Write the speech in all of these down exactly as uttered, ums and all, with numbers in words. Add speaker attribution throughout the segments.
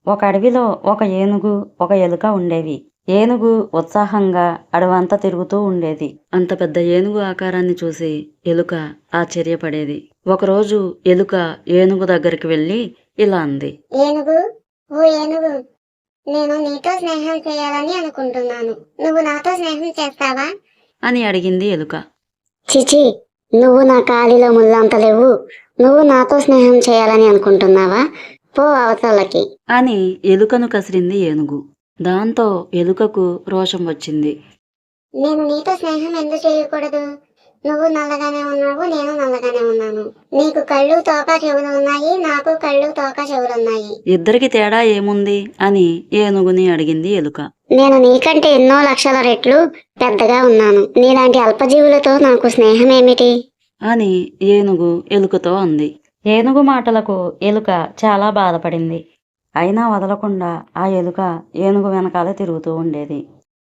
Speaker 1: ఒక అడవిలో ఒక ఏనుగు, ఒక ఎలుక ఉండేవి. ఏనుగు ఉత్సాహంగా అడవంతా తిరుగుతూ ఉండేది. అంత పెద్ద ఏనుగు ఆకారాన్ని చూసి ఎలుక ఆశ్చర్యపడేది. ఒకరోజు ఎలుక ఏనుగు దగ్గరికి వెళ్ళి ఇలా అంది.
Speaker 2: ఏనుగు, ఓ ఏనుగు, నేను నీతో స్నేహం చేయాలని అనుకుంటున్నాను. నువ్వు నాతో స్నేహం చేస్తావా
Speaker 1: అని అడిగింది ఎలుక.
Speaker 2: చిచి, నువ్వు నా కాలిలో ముళ్ళంత లేవు. నువ్వు నాతో స్నేహం చేయాలని అనుకుంటున్నావా? పో అవతలకి
Speaker 1: అని ఎలుకను కసిరింది ఏనుగు. దాంతో ఎలుకకు రోషం వచ్చింది.
Speaker 2: నేను నీతో స్నేహం ఎందుకు చేయకూడదు? నువ్వు నల్లగానే ఉన్నావు, నేను నల్లగానే ఉన్నాను. నీకు కళ్ళు తోక చెవులు ఉన్నాయి, నాకు కళ్ళు తోక చెవులున్నాయి.
Speaker 1: ఇద్దరికి తేడా ఏముంది అని ఏనుగుని అడిగింది ఎలుక.
Speaker 2: నేను నీకంటే ఎన్నో లక్షల రెట్లు పెద్దగా ఉన్నాను. నీలాంటి అల్పజీవులతో నాకు స్నేహం ఏమిటి
Speaker 1: అని ఏనుగు ఎలుకతో అంది. ఏనుగు మాటలకు ఎలుక చాలా బాధపడింది. అయినా వదలకుండా ఆ ఎలుక ఏనుగు వెనకాలే తిరుగుతూ ఉండేది.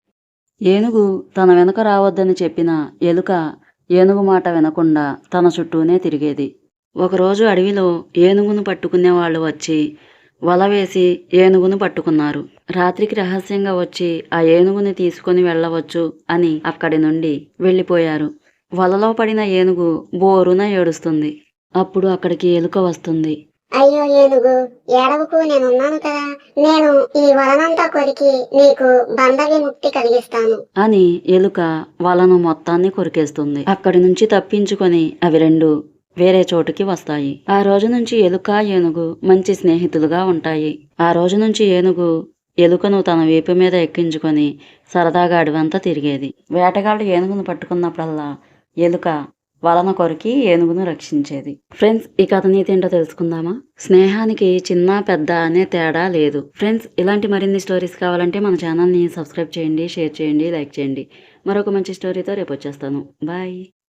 Speaker 1: ఏనుగు తన వెనుక రావద్దని చెప్పిన ఎలుక ఏనుగు మాట వినకుండా తన చుట్టూనే తిరిగేది. ఒకరోజు అడవిలో ఏనుగును పట్టుకునే వాళ్ళు వచ్చి వల వేసి ఏనుగును పట్టుకున్నారు. రాత్రికి రహస్యంగా వచ్చి ఆ ఏనుగుని తీసుకొని వెళ్ళవచ్చు అని అక్కడి నుండి వెళ్ళిపోయారు. వలలో పడిన ఏనుగు బోరున ఏడుస్తుంది. అప్పుడు అక్కడికి ఎలుక వస్తుంది.
Speaker 2: అయ్యో ఏనుగు, ఏడవకు, నేనున్నాను కదా. నేను ఈ వలనంతా కొరికి నీకు బంధ విముక్తి కలిగిస్తాను
Speaker 1: అని ఎలుక వలను మొత్తాన్ని కొరికేస్తుంది. అక్కడి నుంచి తప్పించుకొని అవి రెండు వేరే చోటుకి వస్తాయి. ఆ రోజు నుంచి ఎలుక ఏనుగు మంచి స్నేహితులుగా ఉంటాయి. ఆ రోజు నుంచి ఏనుగు ఎలుకను తన వీపు మీద ఎక్కించుకొని సరదాగా అడవంతా తిరిగేది. వేటగాళ్ళు ఏనుగును పట్టుకున్నప్పుడల్లా ఎలుక వలన కొరికి ఏనుగును రక్షించేది. ఫ్రెండ్స్, ఈ కథ నీతి ఏంటో తెలుసుకుందామా? స్నేహానికి చిన్న పెద్ద అనే తేడా లేదు. ఫ్రెండ్స్, ఇలాంటి మరిన్ని స్టోరీస్ కావాలంటే మన ఛానల్ని సబ్స్క్రైబ్ చేయండి, షేర్ చేయండి, లైక్ చేయండి. మరొక మంచి స్టోరీతో రేపు వచ్చేస్తాను. బాయ్.